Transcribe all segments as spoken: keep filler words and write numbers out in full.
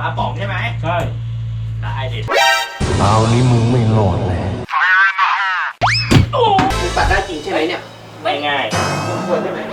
าป๋องใช่ไหมใช่ได้ดิเอานี้มึงไม่รอดเลยมึงปัดได้จริงใช่ไหมเนี่ยไม่ง่ายมึงควรได้ไหม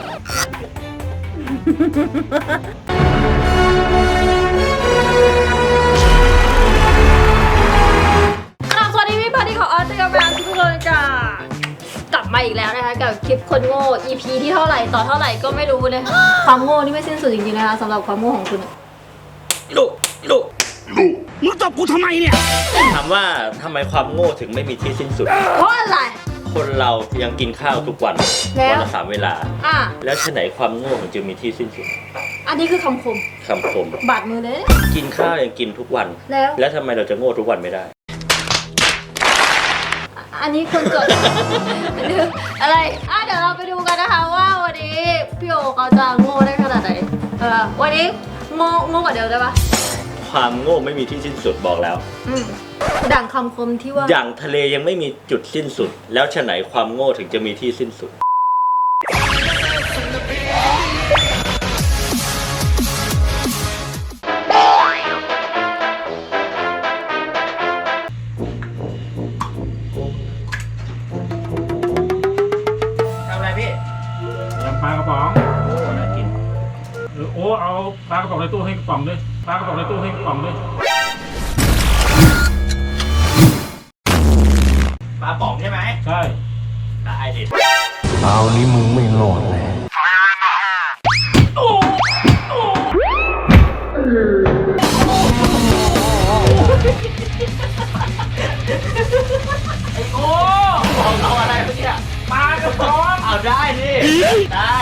สวัสดีพี่พอดีของออสเตรเลียทุกคนจ้ากลับมาอีกแล้วนะคะกับคลิปคนโง่ อี พี ที่เท่าไหร่ต่อเท่าไหร่ก็ไม่รู้นะคะความโง่นี่ไม่สิ้นสุดจริงๆนะคะสำหรับความโง่ของคุณลุลุลุมึงตบกูทำไมเนี่ยถามว่าทำไมความโง่ถึงไม่มีที่สิ้นสุดเพราะอะไรคนเรายังกินข้าวทุกวันวันละสามเวลาอ่ะแล้วฉะไหนความโง่ถึงจะมีที่สิ้นสุดอันนี้คือคำคมคำคมบาดมือเลยกินข้าวยังกินทุกวันแล้วแล้วทำไมเราจะโง่ทุกวันไม่ได้อันนี้คนจดอะไรอ่ะเดี๋ยวเราไปดูกันนะคะว่าวันนี้พี่โอเขาจะโง่ได้ขนาดไหนเออวันนี้โง่โง่กว่าเดิมได้ปะความโง่ไม่มีที่สิ้นสุดบอกแล้วอืมดังคำคมที่ว่าอย่างทะเลยังไม่มีจุดสิ้นสุดแล้วฉะไหนความโง่ถึงจะมีที่สิ้นสุดปลากระป๋องโอ้น่ากินโอ้เอาปลากระป๋องในตู้ให้กระป๋องด้วยปลากระป๋องในตู้ให้กระป๋องด้วยปลาป๋องใช่ไหมใช่ได้ดิเอานี้มึงไม่รอดเลยโอ้โอ้ไอ้โอ้บอกเอาอะไรเมื่อกี้ปลากระป๋องเอาได้ดิได้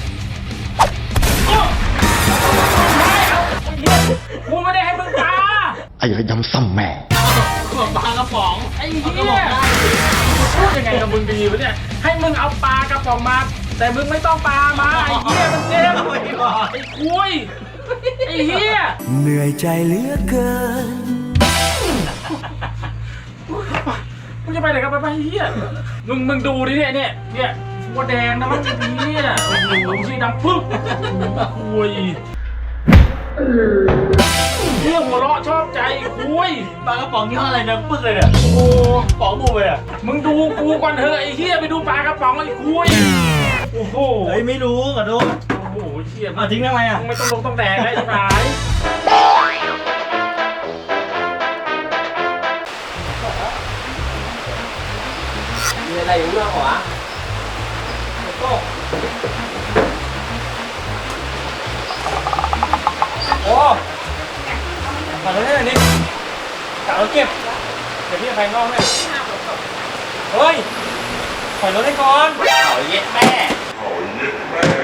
กูไม่ได้ให้มึงปลาไอ้ระยำซ้ำแม่ปลากระป๋องไอ้เหี้ยพูดยังไงกับมึงดีวะเนี่ยให้มึงเอาปลากระป๋องมาแต่มึงไม่ต้องปลามาไอ้เหี้ยมันเจ็บไอ้คุยไอ้เหี้ยเหนื่อยใจเหลือเกินมึงจะไปไหนกันไปไปเหี้ยมึงมึงดูดิเนี่ยเนี่ยเนี่ยหัวแดงนะมันเนี่ยโอ้โหชื่อดำปึ๊บคุยเรื่องหัวเราะชอบใจคุยปลากระป๋องนี่อะไรนะปึ๊กเลยเนี่ยโอ้โหป๋องบูไปอ่ะมึงดูกูก่อนเถอะไอ้เหี้ยไปดูปลากระป๋องไอ้คุยโอ้โหเฮ้ยไม่รู้ขอโทษโอ้โหเชี่ยมาทิ้งทำไมอ่ะไม่ต้องลงต้องแดงได้ใช่ไหมมีอะไรอยู่เรื่องหัวโต้โอ้ขอโทษด้วยนี่กะเอาเก็บเดี๋ยวพี่จะไปนอกเนี่ยเฮ้ยถอยรถให้ก่อนเขาเย็ดแม่เขาเย็ดแม่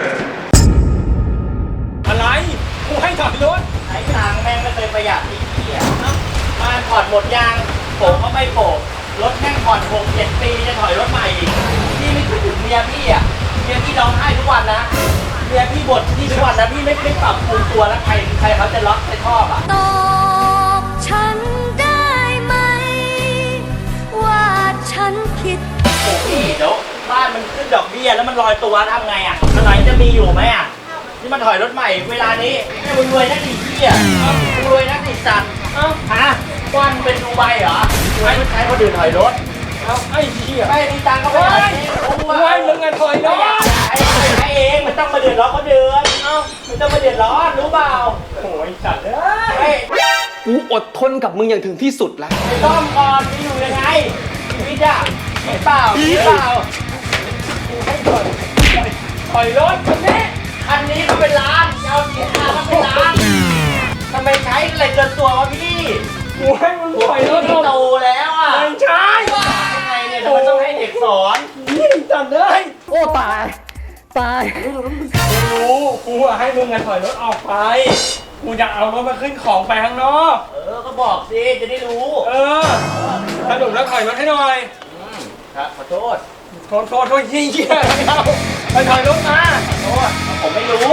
อะไรกูให้ถอยรถไอ้ทางแม่งไม่เคยประหยัดอีกทีอ่ะมาผ่อนหมดยางผมก็ไม่โผล่รถแม่งผ่อนหกเจ็ดปีจะถอยรถใหม่อีกพี่ไม่คิดถึงเมียพี่อ่ะเมียพี่ร้องไห้ทุกวันนะเมียพี่บ่นพี่ทุกวันนะพี่ไม่ไม่ปรับปรุงตัวแล้วใครใครเขาจะล็อกใครชอบอ่ะตอบฉันได้ไหมว่าฉันผิดโอ้พี่เดี๋ยวบ้านมันขึ้นดอกเบี้ยแล้วมันลอยตัวทำไงอ่ะอะไรจะมีอยู่ไหมอ่ะนี่มันถอยรถใหม่เวลานี้ไม่รวยนักดิพี่อ่ะรวยนักดิสัตว์ฮะก้อนเป็นดูใบเหรอไม่ใช้คนอื่นถอยรถเอาไอ้เหี้ยไม่มีตังค์ก็ไม่ได้ไว้มึงกันถอยรถไอ้ไอ้เองมันต้องมาเดือดร้อนคนเดือนเอ้ามันต้องมาเดือดร้อนรู้เปล่าโอ้ยสัตว์เอ้ยกูอดทนกับมึงอย่างถึงที่สุดแล้วไอ้ต้อมก่อนมีอยู่ยังไงชีวิตอะเห็นเปล่าเห็นเปล่าให้ถอยถอยรถคันนี้คันนี้ก็เป็นล้านเจ้าเสียค่าก็เป็นล้านทำไมใช้อะไรเกินตัววะพี่กูให้มึงถอยรถโตแล้วอ่ะไม่ใช่ยังไงเนี่ยทำไมต้องให้เด็กสอนยิ่งจัดเลยโอ้ตายตายรู้กูอะให้มึงถอยรถออกไปกูอยากเอารถมาขึ้นของไปข้างนอกเออก็บอกสิจะได้รู้เออสรุปแล้วถอยรถให้หน่อยครับขอโทษโทษโทษโทษยิ่งเยี่ยมเอาไปถอยรถมาขอโทษผมไม่รู้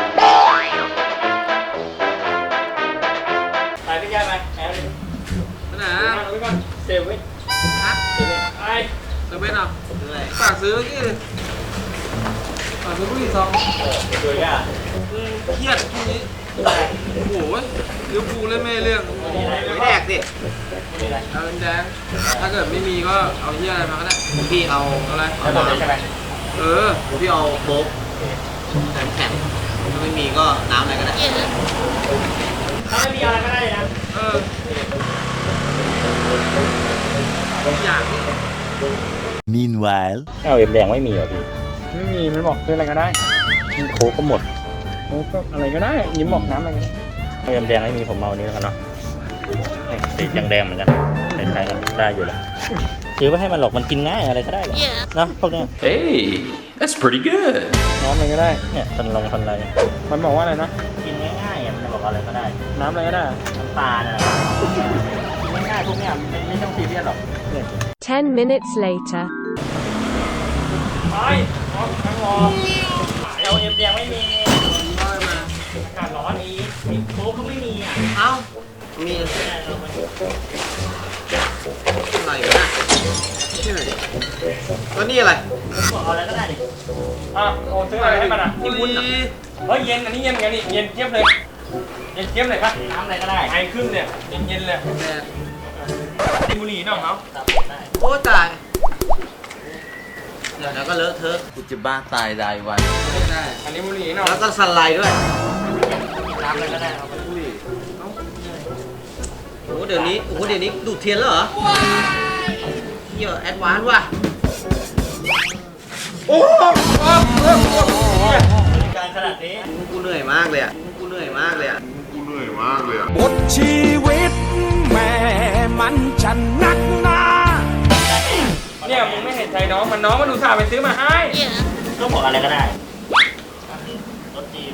ไปพี่แย่ไปแอบไปไหนเอาไปก่อนเซเว่นฮะเซเว่นไอเซเว่นอ่ะฝากซื้อที่ฝากซื้อผู้หญิงซองเออดูยากเครียดช่วงนี้โอ้โหลิเวอร์พูลเล่นไม่เรื่องไม่แดกดิเอาเป็นแดงถ้าเกิดไม่มีก็เอาเหี้ยอะไรมาก็ได้พี่เอาอะไรแล้วตัวเดียวใช่ไหมเออพี่เอาโบ๊กแข็งแข็งถ้าไม่มีก็น้ำอะไรก็ได้ถ้าไม่มีอะไรก็ได้เลยนะเอออย่าง Meanwhile เอาเอ็มแดงไม่มีเหรอพี่ไม่มีมันบอกซื้ออะไรก็ได้มันโค้กก็หมดโค้กก็อะไรก็ได้ยิ้มบอกน้ำอะไรก็ได้เอาเอ็มแดงไม่มีผมเอาอันนี้แล้วกันเนาะสีแดงแดงเหมือนกันใช้กันได้อยู่แล้วซื้อไปให้มันหรอกมันกินง่ายอะไรก็ได้หรอกเนาะพวกเนี้ย Hey, that's pretty good. น้ำอะไรก็ได้เนี่ยทันลงทันอะไรมันบอกว่าอะไรนะกินง่ายๆอ่ะมันจะบอกอะไรก็ได้น้ำอะไรก็ได้น้ำปลาเนี่ยกินง่ายๆพวกเนี้ยไม่ไม่ต้องซีเรียสหรอก Ten minutes later. ไปรอทั้งรอเอาเอ็มแดงไม่มีน้อยมาอากาศร้อนมีมีโค้กก็ไม่มีอ่ะเอ้ามีอะไรก็ได้ชื่ออะไรแล้วนี่อะไรบอกเอาอะไรก็ได้ดิอ่ะโอ้ซื้ออะไรให้มันอ่ะนี่วุ้นเฮ้ยเย็นอันนี้เย็นเหมือนกันนี่เย็นเจี๊ยบเลยเย็นเจี๊ยบเลยปะน้ำอะไรก็ได้ไอขึ้นเนี่ยเย็นเย็นๆเลยแดดดิบุหรี่น้องเขาตับได้โอ้ตายเดี๋ยวแล้วก็เลอะเทอะกูจะบ้าตายรายวันได้อันนี้บุหรี่น้องแล้วก็สไลด์ด้วยน้ำอะไรก็ได้เอาไปโอ้เดี๋ยวนี้โอ้เดี๋ยวนี้ดูดเทียนแล้วเหรอเหี้ยแอดวานซ์ว่ะโอ้การขนาดนี้กูเหนื่อยมากเลยอ่ะกูเหนื่อยมากเลยอ่ะบทชีวิตแม่มันจะนักหนาเนี่ยมึงไม่เห็นใจน้องมันน้องมันดูสาห์ไปซื้อมาให้ก็บอกอะไรก็ได้รสจีน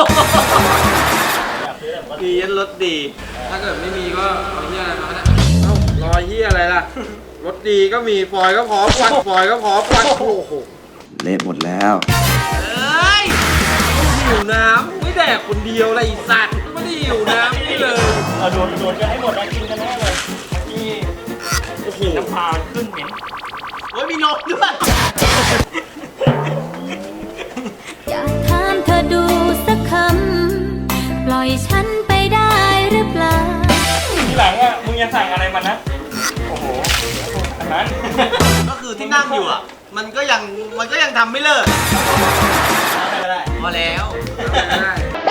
อยากซื้อแบบว่าดียันรถดี ถ้าเกิดไม่มีก็เอาเหี้ยอะไรมาก็ได้เอ้ารอเหี้ยอะไรล่ะ รถดีก็มีฟอยก็พร้อมควันฟอยก็พร้อมควันโอ้โหเละหมดแล้วเอ้ยหิวน้ำไม่แดกคนเดียวเลยไอ้สัตว์ไม่ได้หิวน้ำนี่เลยเอาโดนโดนกันให้หมดนะกินกันแน่เลยนี่โอ้โหน้ำปลามันขึ้นเหม็นโอ้ยมีนมด้วยอยากถามเธอดูสักคำ ปล่อยฉันไปได้หรือเปล่าทีหลังอ่ะมึงอย่าสั่งอะไรมันนะโอ้โหอันนั้นก็คือที่นั่งอยู่อ่ะ มันก็ยังมันก็ยังทำไม่เลิกอะไรก็ได้พอแล้วได้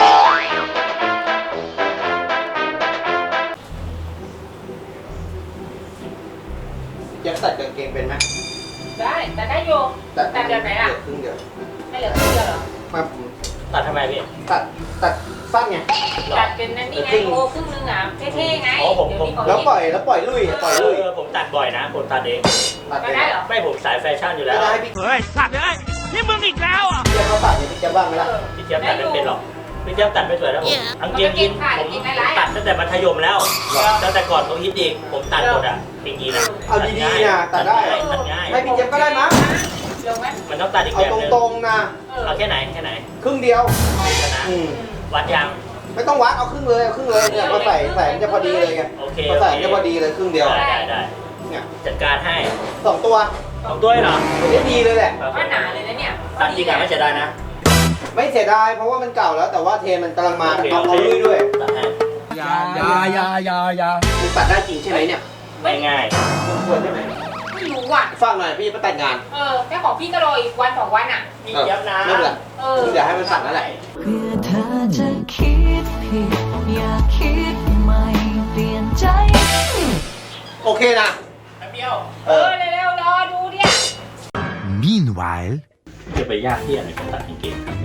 ยังตัดกางเกงเป็นไหมได้แต่ได้อยู่ตัดแต่เดี๋ยวไหนอ่ะครึ่งเดียวไม่เหลือครึ่งเดียวเหรอมาตัดทำไมพี่ตัดตัดสั้นไงตัดเป็นนั่นนี่ไงโอ้ครึ่งนึงอ่ะเท่ๆไงอ๋อผมผมแล้วปล่อยแล้วปล่อยลุยปล่อยลุยเออผมตัดบ่อยนะผมตัดเองตัดก็ได้เหรอไม่ผมสายแฟชั่นอยู่แล้ไม่วได้ให้พี่เฮ้ยสัตว์เลยนี่มึงอีกแล้วอ่ะเจี๊ยบเขาตัดเนี่ยพี่เจี๊ยบบ้างไหมล่ะพี่เจี๊ยบตัดไม่เป็นหรอกพี่เจี๊ยบตัดไม่สวยแล้วผมอังเกียงยินผมตัดตั้งแต่มัธยมแล้วตั้งแต่ก่อนเขาฮิตอีกผมตัดหมดอ่ะปิงยีนะเอาดีๆนะตัดได้ตัดง่ายให้พี่เจี๊ยบก็ได้มั้งลงไหมมันต้องตัดอีกเอาแบบนึงตรงๆนะเอาแค่ไหนแค่ไหนครึ่งเดียวชนะอืมวัดยางไม่ต้องวัดเอาครึ่งเลยเอาครึ่งเลยเนี่ยมาใส่ใส่มันจะพอดีเลยไงโอเคมาใส่มันจะพอดีเลยครึ่งเดียวได้ได้ได้เนี่ยจัดการให้สองตัวสองตัวเหรอได้ดีเลยแหละว่าหนาเลยนะเนี่ยตัดจริงอ่ะไม่เสียดายนะไม่เสียดายเพราะว่ามันเก่าแล้ว แต่ว่าเทมันกำลังมาเอาเอาลุยด้วยตัดให้ยายายายายาคุณตัดได้จริงใช่ไหมเนี่ยไม่ง่ายควรใช่ไหมไม่รู้อ่ะฟังหน่อยพี่จะไปแต่งงานเออแค่ของพี่ก็รออีกวันสองวันอ่ะพี่เจี๊ยบนะไม่เป็นไรเออเดี๋ยวให้มันตัดนั่นแหละเพื่อเธอจะคิดผิด อย่าคิดใหม่เปลี่ยนใจโอเคนะแป๊บเดียวเออเร็วๆรอดูเนี่ย Meanwhile จะไปยากที่อะไรกันตัดกางเกงครับ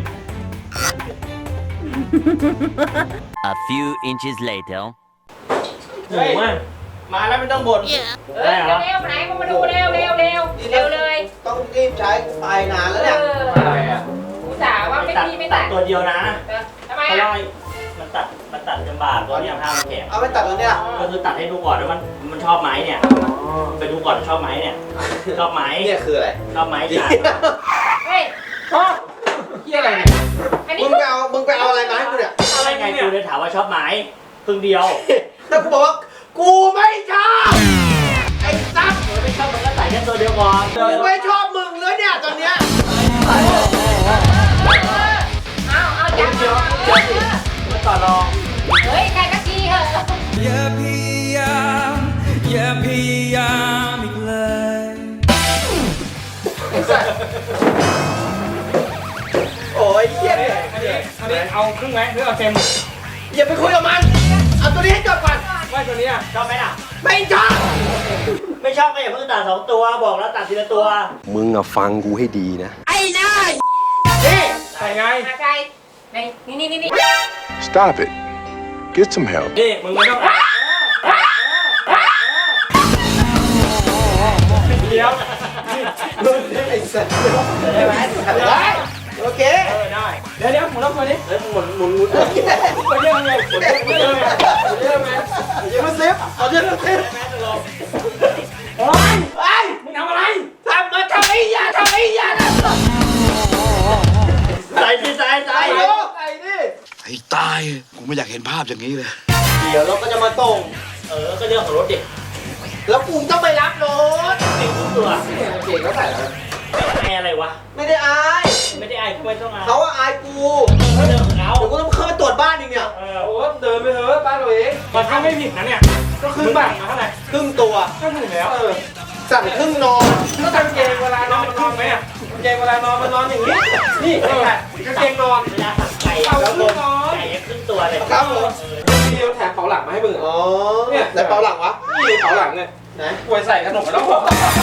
A few inches later. โอ้ยมาแล้วไม่ต้องบ่นเออเร็วๆไหนก็มาดูเร็วๆเร็วๆเร็วเร็วเลยต้องรีบใช้ไปนานแล้วเนี่ยเอออะไรอ่ะอุตส่าห์ว่าไม่ดีไม่ตัตัดดตัวเดียวนะเออทำไมเพราะอ่ะว่ามันตัดมันตัดลำบากตัวเนี้ยผ้ามันแข็งเอาไปตัดตัวเนี้ยก็คือตัดให้ดูก่อนว่ามันมันชอบไหมเนี่ยไปดูก่อนชอบไหมเนี่ยชอบไหมเนี่ยคืออะไรชอบไหมจ้ะเฮ้ยชอบเฮียอะไรเนี่ยอันนี้มึงไปเอามึงไปเอาอะไรมาให้กูเนี่ยอะไรไงกูเลยถามว่าชอบไหมครึ่งเดียวแต่กูบอกว่ากูไม่ชอบไอ้ซับไม่ชอบมันก็ใส่แค่ตัวเดียวก่อนกูไม่ชอบมึงแล้วเนี่ยตอนเนี้ยเอาเอาจับเดียวเอาเดียวสิมันต่อรองเฮ้ยใครก็ทีใคอย่าพยายามอย่าพยายามอีกเลยโอ้ยเหี้ยเนี่ยอันนี้อันนี้เอาครึ่งไหมหรือเอาเต็มอย่าไปคุยกับมัน เอาตัวนี้ให้จบก่อนไม่ตัวนี้อ่ะชอบไหมล่ะ ไม่ชอบ ไม่ชอบก็อย่าเพิ่งตัดสองตัว บอกแล้วตัดทีละตัวมึงอะฟังกูให้ดีนะไอ้หน้านี่ใส่ไงนี่นี่นี่นี่ Stop it Get some help นี่มึงไม่ต้องอ่ะเดี๋ยวไอ้สัตว์ได้ไหมได้โอเคเออได้เดี๋ยวเดี๋ยวหมุนรอบตัวนี้เฮ้ยหมุนหมุนหมุนตัวเยอะไงตัวเยอะตัวเยอะไงตัวเยอะไงอย่ามาซิฟเอาเยอะมาซิฟโอ๊ยไอ้มึงทำอะไรทำมาทำไอ้ยาทำไอ้ยานะใส่ดิใส่ใส่ใส่ดิไอ้ตายกูไม่อยากเห็นภาพอย่างนี้เลยเดี๋ยวเราก็จะมาส่งเออก็เรื่องของรถเด็กแล้วกูต้องไปรับรถเด็กทุกตัวเก่งก็ใส่แล้วไอ้อะไรวะ ไม่ได้อาย ไม่ได้อายทำไมต้องอายเขาว่าอายกูเขาเดินของเขาเดี๋ยวกูต้องเข้าไปตรวจบ้านอีกเนี่ยเออโอ้เดินไปเถอะบ้านเราเองมันถ้าไม่ผิดนะเนี่ยก็คือแบบมาเท่าไหร่ครึ่งตัวก็ถูกแล้วเออสั่งครึ่งนอนก็กางเกงเวลานอนมันนอนไหมอ่ะกางเกงเวลานอนมันนอนอย่างนี้นี่เออกางเกงนอนเวลาสั่งไก่เอาแล้วครึ่งนอนไก่ครึ่งตัวเลยครับผมมีแถมเป๋าหลังมาให้มึงอ๋อเนี่ยแล้วเปาหลังวะนี่เป๋าหลังเนี่ยไหนป่วยใส่ขนมแล้วบอก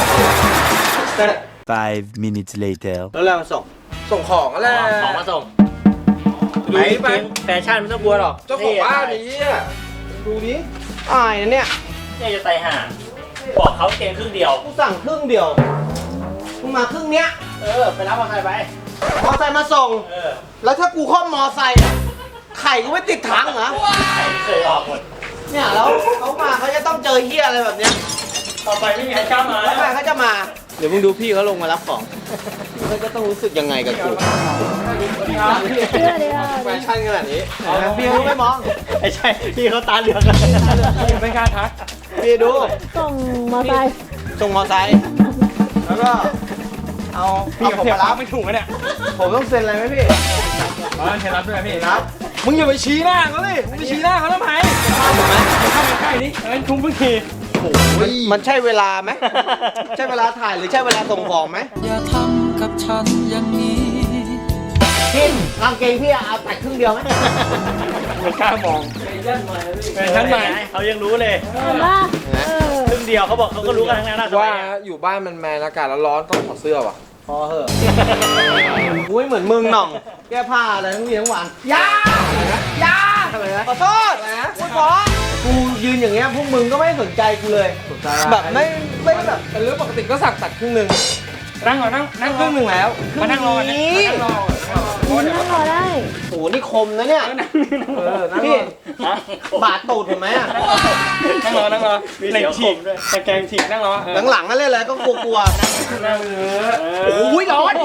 Five minutes later. แล้วเราส่งส่งของอะไรของมาส่งดูนี่ไปแฟชั่นไม่ต้องกลัวหรอกเจ้าของบ้านนี้อ่ะดูนี้อายนะเนี่ยเนี่ยจะไตห่าบอกเขาเกงครึ่งเดียวกูสั่งครึ่งเดียวมึงมาครึ่งเนี้ยเออไปรับมอเตอร์ไซค์ไปมอเตอร์ไซค์มาส่งเออแล้วถ้ากูข้อมมอเตอร์ไซค์อะไข่กูไม่ติดถังเหรอไข่ไม่เคยออกหมดเนี่ยแล้วเขามาเขาจะต้องเจอเฮียอะไรแบบเนี้ยต่อไปไม่มีใครกล้ามาแล้วใครเขาจะมาเดี๋ยวมึงดูพี่เขาลงมารับของเขาจะต้องรู้สึกยังไงกับกูเชื่อเลยอ่ะแฟชั่นขนาดนี้พี่เขาไม่มองไอ้ใช่พี่เขาตาเหลือกไม่กล้าทักพี่ดูส่งมอไซค์ส่งมอไซค์แล้วก็เอาพี่เอากับผมเทียมาบรับไม่ถูกนะเนี่ยผมต้องเซ็นอะไรไหมพี่อ๋อเทียบรับด้วยพี่ครับมึงอย่าไปชี้หน้าเขาดิมึงไปชี้หน้าเขาทำไมเข้าไปใกล้นี่เอ้ยทุ่มเพิ่งทีมันใช่เวลาไหม ใช่เวลาถ่ายหรือใช่เวลาส่งของไหมอย่าทำกับฉันอย่างนี้พี่กางเกงพี่เอาตัดครึ่งเดียวไหมไม่กล้ามองแฟชั่นใหม่เขายังรู้เลยเห็นป่ะเออครึ่งเดียวเขาบอกเขาก็รู้กันทั้งนั้นนะว่าอยู่บ้านมันแมนอากาศร้อนๆต้องถอดเสื้อว่ะพอเหอะกูไม่เหมือนมึงหน่อง แก้ผ้าอะไรทั้งวีทั้งวันยายาทำไมนะขอโทษกูขอกูยืนอย่างเงี้ยพวกมึงก็ไม่สนใจกูเลย แบบไม่ไม่แบบเป็นเรื่องปกติก็สั่งตัดครึ่งหนึ่งนั่งก่อนนั่งนั่งครึ่งหนึ่งแล้วมานั่งรอนะมานั่งรอนั่งรอได้โอ้โหนี่คมนะเนี่ยเออนั่งรพี่อบาดตูดเห็นไหมอ่ะนั่งรอนั่งรอเหล็กฉีกตะแกรงฉีกนั่งรอหลังๆนั่นเลยเลยก็กลัวนั่งเออๆโอ้ยร้อน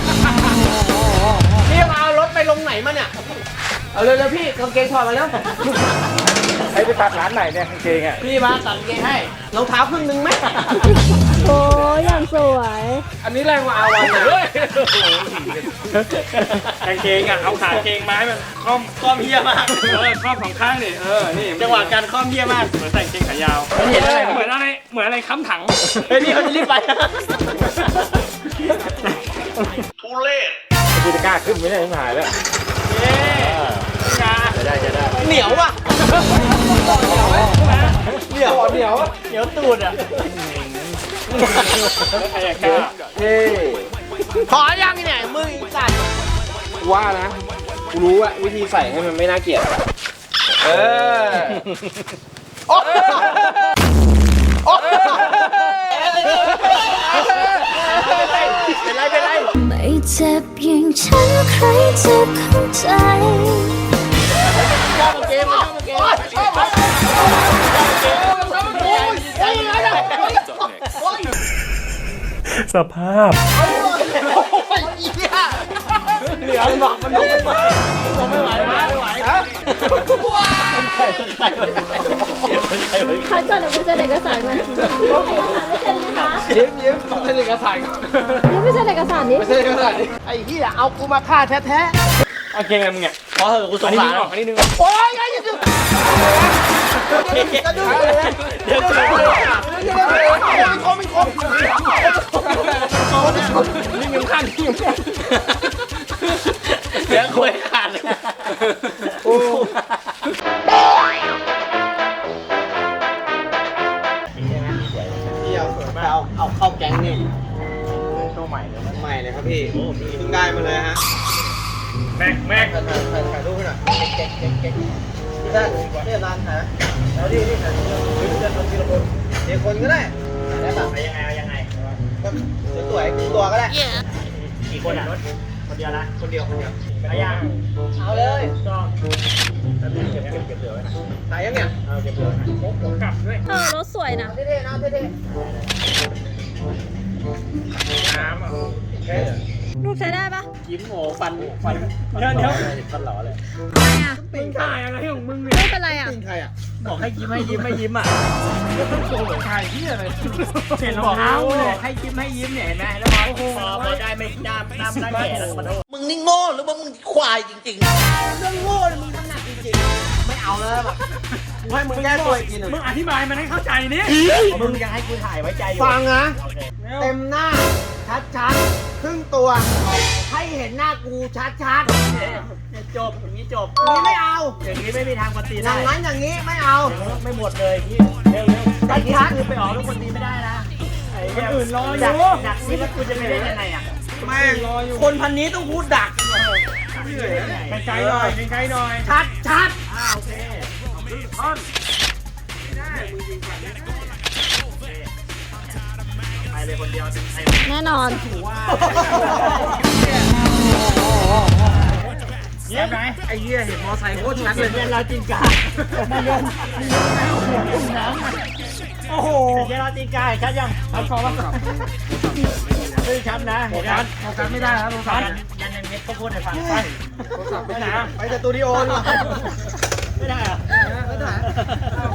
พี่มาเอารถไปลงไหนมาเนี่ย เอาเร็วๆพี่กางเกงถอดมาแล้วไอ้ไปตัดร้านไหนเนี่ยกางเกงอ่ะพี่มาตัดกางเกงให้รองเท้าครึ่งนึงไหมโอ้ยอย่างสวยอันนี้แรงกว่าอาวันนะกางเกงอ่ะเอาขาเกงไม้มันคล่อมคอมเฮียมากเออคล่อมสองข้างดิเออนี่จังหวะการคอมเฮียมากเหมือนใส่กางเกงขายาวเห็นอะไรเหมือนอะไรเหมือนอะไรค้ำถังเฮ้ยพี่เขาจะรีบไปกูจะกล้าขึ้นไม่ได้ไม่หายแล้วเย้จะได้จะได้เหนียวอ่ะเหนียวเหนียวเหนียวตูดอ่ะใครอยากกล้าเฮ้ขอยังเนี่ยมึงสัตว์ว่านะกูรู้อะวิธีใส่ให้มันไม่น่าเกลียดเออโอ้โอ้เป็นไรเป็นไรไม่เจ็บอย่างฉันใครจะเข้าใจชอบเกมชอบเกมชอบเกมสภาพเหนียวหนอกมันลงไม่ไหวไม่ไหวไม่ไหวฮะคัดก่อนเดี๋ยวกูจะเด็กกระสานมาไม่เซ็นนะคะยิ้มยิ้มต้องเป็นเอกสารก่อนยังไม่เซ็นเอกสารนี้ไม่ใช่เอกสารดิไอ้เหี้ยเอากูมาฆ่าแท้โอเคไงมึงเนี่ยๆพอเหอะกูสอันงนี้สารนึงออกอันนี้นึงโอ้ยไอ้ยี่จะดูเดี๋ยวจะดูไม่คมไม่คมนี่ยังขั้นนี่ยังขั้นเดี๋ยวคุยขาดเลยโอ้พี่เอาเอาเอาเข้าแก๊งนี่ตัวใหม่เลยใหม่เลยครับพี่เพิ่งได้มาเลยฮะแม็กแม็กถ่ายถ่ายรูปให้หน่อยเก๊กเก๊กเก๊กที่ด้านที่ร้านถ่ายแล้วที่ที่ถ่ายรูปจะทำทีละคนทีละคนก็ได้ได้แบบยังไงยังไงก็สวยๆตัวก็ได้กี่คนอ่ะคนเดียวนะคนเดียวคนเดียวไปยังเอาเลยจองแล้วเก็บเก็บเก็บเหลือไว้นะถ่ายยังเนี่ยเอาเก็บเหลือนะโค้งกลับด้วยเออรถสวยนะเท่ๆนะเท่ๆน้ำอ่ะรูปใช้ได้ปะยิ้มโง่ฟันฟันเดี๋ยวเดี๋ยวฟันหล่อเลยทำไมอ่ะปิงถ่ายอะไรของมึงรูปเป็นไรอ่ะปิงใครอ่ะบอกให้ยิ้มให้ยิ้มให้ยิ้มอ่ะโซ่ถ่ายที่อะไรเห็นรองเท้าเลยให้ยิ้มให้ยิ้มเนี่ยเห็นไหมแล้วพอพอพอได้ไม่น้ำน้ำน้ำแก่แล้วมาโทษมึงนี่โง่หรือว่ามึงควายจริงๆเรื่องโง่เลยมึงถนัดจริงๆไม่เอาแล้วแบบให้มึงแก้ตัวอีกทีหนึ่งมึงอธิบายมันให้เข้าใจนี่มึงยังให้กูถ่ายไว้ใจอยู่ฟังนะเต็มหน้าชัดๆครึ่งตัวให้เห็นหน้ากูชัดๆจบอย่างนี้จบนี้ไม่เอาอย่างนี้ไม่มีทางปฏิได้อย่างนั้นอย่างนี้ไม่เอาไม่หมดเลยพี่เร็วๆชัดๆคือไปออกลูกคนนี้ไม่ได้นะคนอื่นรออยู่ดักนี่แล้วกูจะไปได้ยังไงอ่ะแม่รออยู่คนพันนี้ต้องพูดดักไกลๆหน่อยไกลๆหน่อยชัดชัดอ่าโอเคท่อนไม่ได้มึงยิงก่อนไปเลยคนเดียวแน่นอนเยี่ยมไหมไอ้เหี้ยเห็นมอไซค์โคตรชัดเลยเนี่ยเราจริงกาไม่ยอมน้ำโอ้โหเดี๋ยวเราจริงกาชัดยังชัดพอป่ะไม่ชัดนะเห็นชัดชัดไม่ได้ครับชัดยันในเม็ดก็พูดให้ฟังไปไม่ได้ไปสตูดิโอดีกว่าไม่ได้อะไม่ได้